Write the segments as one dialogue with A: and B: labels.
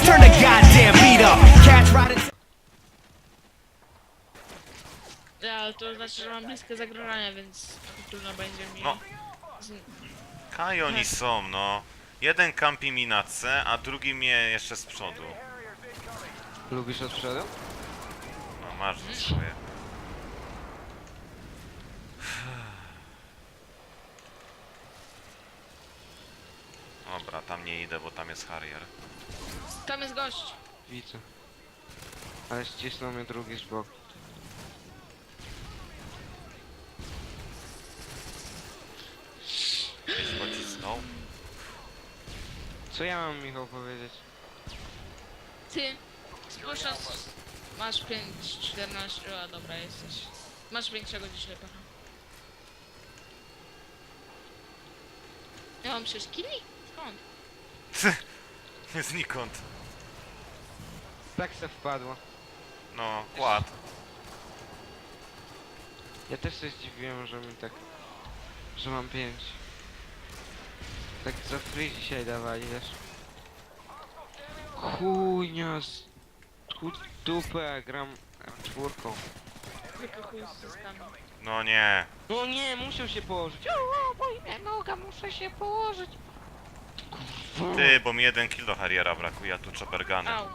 A: Turn the goddamn beat up. Catch riding.
B: Ja, ale to znaczy, że mam bliskie zagrożenie, więc trudno będzie mi...
C: No. Kaj oni są, no. Jeden kampi mi na C, a drugi mnie jeszcze z przodu.
D: Lubisz od przodu?
C: No masz to swoje. Dobra, tam nie idę, bo tam jest Harrier.
B: Tam jest gość.
D: Widzę. Ale ścisnął mnie drugi z boku.
C: Gdzieś pocisnął.
D: Co ja mam, Michał, powiedzieć?
B: Ty, spójrz na... Masz 5,14, a dobra jesteś. Masz większego dzisiaj pecha. Ja mam 6 kili? Skąd?
C: Znikąd.
D: Tak se wpadło.
C: No, kład.
D: Ja też się zdziwiłem, że mi tak... Że mam 5. Tak za free dzisiaj dawali, wiesz? Chujnia z... Dupę, gram czwórką.
B: Tylko chuj z zyskami.
C: No nie.
D: No nie, muszę się położyć. O, boi mnie noga, muszę się położyć. Kurwa.
C: Ty, bo mi 1 kill do Harriera brakuje, a tu chopperguny.
B: Au.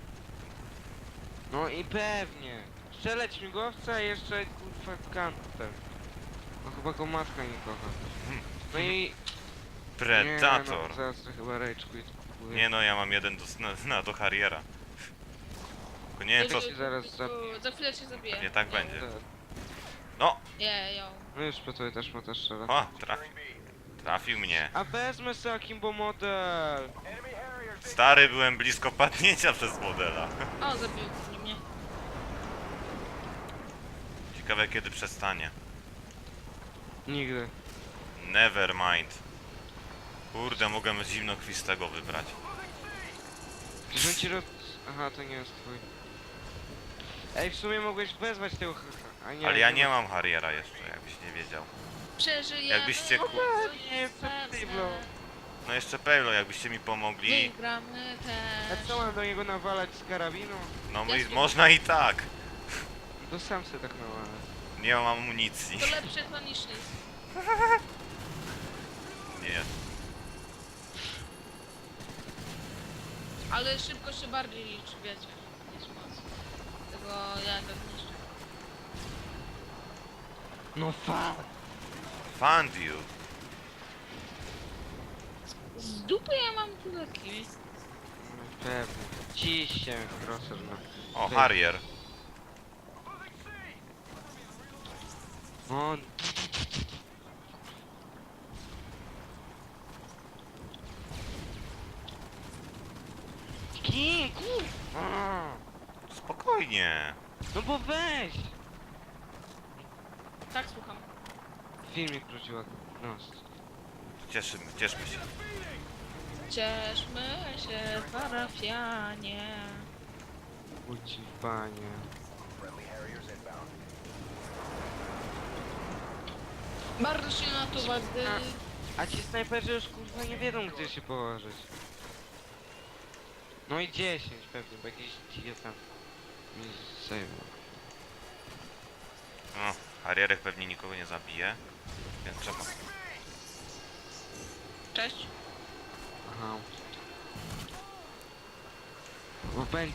D: No i pewnie. Strzelać śmigłowca i jeszcze kurwa kanter. No chyba go matka nie kocha. No i...
C: Predator.
D: Nie, no, zaraz to chyba rage quit kupuję.
C: Nie no, ja mam jeden do Harriera. Tylko nie wiem co...
D: się zaraz zabiję.
B: Za chwilę cię zabiję.
C: Nie tak będzie.
D: Tak.
C: No!
B: Nie, jo.
D: No już po to też ma też strzela.
C: O, trafił. Trafił mnie.
D: A wezmę sobie Akimbo model.
C: Stary, byłem blisko padnięcia przez modela.
B: O, zabił mnie.
C: Ciekawe kiedy przestanie.
D: Nigdy.
C: Never mind. Kurde, mogę zimnokwistego wybrać.
D: Że ci roz... Aha, to nie jest twój. Ej, w sumie mogłeś wezwać tego a nie.
C: Ale ja nie mam Harriera jeszcze, jakbyś nie wiedział.
B: Przeżyjemy.
C: Jakbyście ku-
D: Nie, co ty, bro.
C: No jeszcze Pejlo, jakbyście mi pomogli.
B: Wygramy
D: A
B: też.
D: co mam do niego nawalać z karabinu?
C: No można i tak.
D: To sam se tak nawalę.
C: Nie mam amunicji.
B: To lepsze to niż nic.
C: Nie.
B: Ale szybko się bardziej liczy, wiecie, niż moc. Tego ja tak niszczę.
D: No fuck.
C: Found you.
B: Z dupy ja mam tyle kili.
D: No pewnie. Ciście crosser no.
C: O, Harrier.
D: O, King, kurwa.
C: Spokojnie.
D: No bo weź.
B: Tak, słucham.
D: Filmik wróciła. No.
C: Cieszmy się.
B: Cieszmy się, parafianie.
D: Uci panie.
B: Bardzo się na to wady.
D: A ci snajperzy już kurwa nie wiedzą gdzie się położyć. No i 10 pewnie, bo jakiś dzikie tam mi zajmą.
C: No, Harrierek pewnie nikogo nie zabije. Więc trzeba.
B: Cześć.
D: Aha. Bo będzie...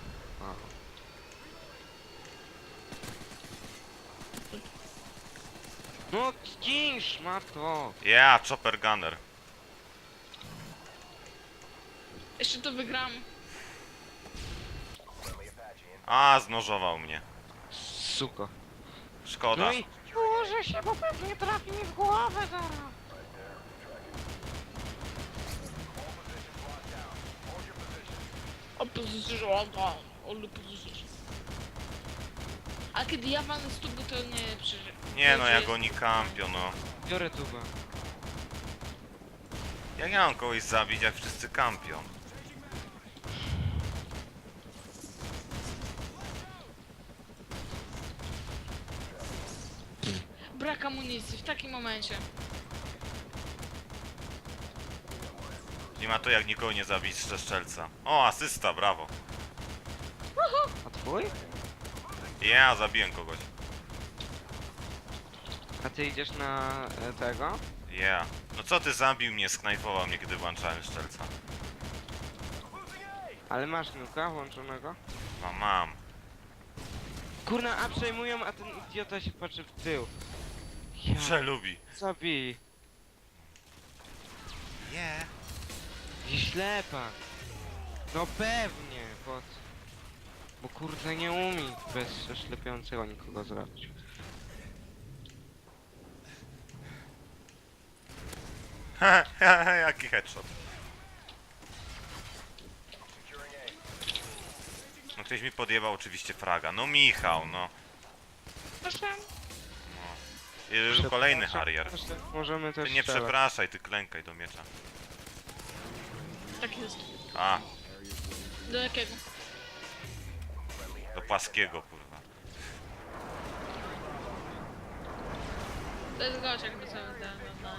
D: No zginsz, matko!
C: Yeah, chopper gunner.
B: Jeszcze to wygram.
C: A, znożował mnie.
D: Suko.
C: Szkoda.
D: No i ułożę się, bo pewnie trafi mi w głowę zaraz.
B: Opozycja, ale pozycja. A kiedy ja walnę z tuby, to nie przeżyję.
C: Nie no, jak oni kampią, no.
D: Biorę tubę.
C: Jak ja mam kogoś zabić, jak wszyscy kampią?
B: Brak amunicji w takim momencie.
C: Nie ma to jak nikogo nie zabić ze strzelca. O, asysta, brawo.
D: A twój?
C: Ja zabiłem kogoś.
D: A ty idziesz na tego?
C: Ja. No co ty zabił mnie, sknajfował mnie, kiedy włączałem strzelca.
D: Ale masz nuka włączonego?
C: No mam.
D: Kurna, a przejmują, a ten idiota się patrzy w tył. Ja,
C: Przelubi.
D: zabij.
C: Yeah.
D: I ślepak. No pewnie, po co? Bo kurde nie umie bez oślepiającego nikogo zrobić.
C: Jaki headshot. No ktoś mi podjebał oczywiście fraga. No Michał, no.
B: Proszę.
C: Kolejny Harrier.
D: Możemy też
C: Ty nie
D: strzelać.
C: przepraszaj, ty klękaj do miecza.
B: Tak jest.
C: A,
B: Do jakiego?
C: do płaskiego, kurwa.
B: To jest gość jakby sobie ten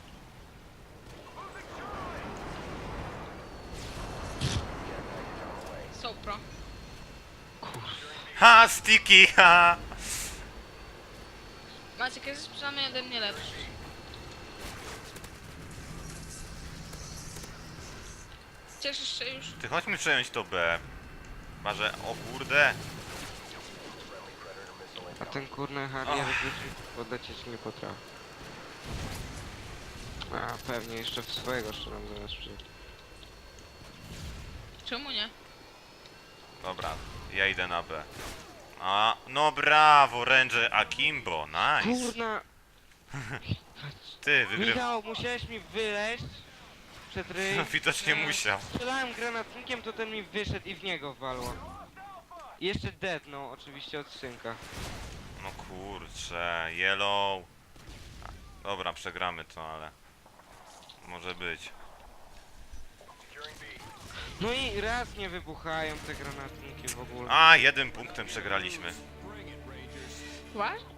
B: Sopro.
C: Ha, sticky, ha!
B: Maciek jest przynajmniej ode mnie lepszy. Cieszysz się już?
C: Ty chodźmy przejąć to B. Chyba, że... O kurde.
D: A ten kurny Harrier podlecieć nie potrafi. A pewnie jeszcze w swojego strzelam zamiast przyjść.
B: Czemu nie?
C: Dobra, ja idę na B. A, no brawo, Ranger Akimbo, nice.
D: Kurna!
C: Ty, wygryw...
D: Michał, musiałeś mi wyleźć przed ryj.
C: Widocznie musiał.
D: Strzelałem granatnikiem, to ten mi wyszedł i w niego walło. I jeszcze deadnął oczywiście od synka.
C: No kurczę, yellow. A, dobra, przegramy to, ale... Może być.
D: No i raz nie wybuchają te granatniki w ogóle.
C: A, 1 punktem przegraliśmy.
B: What?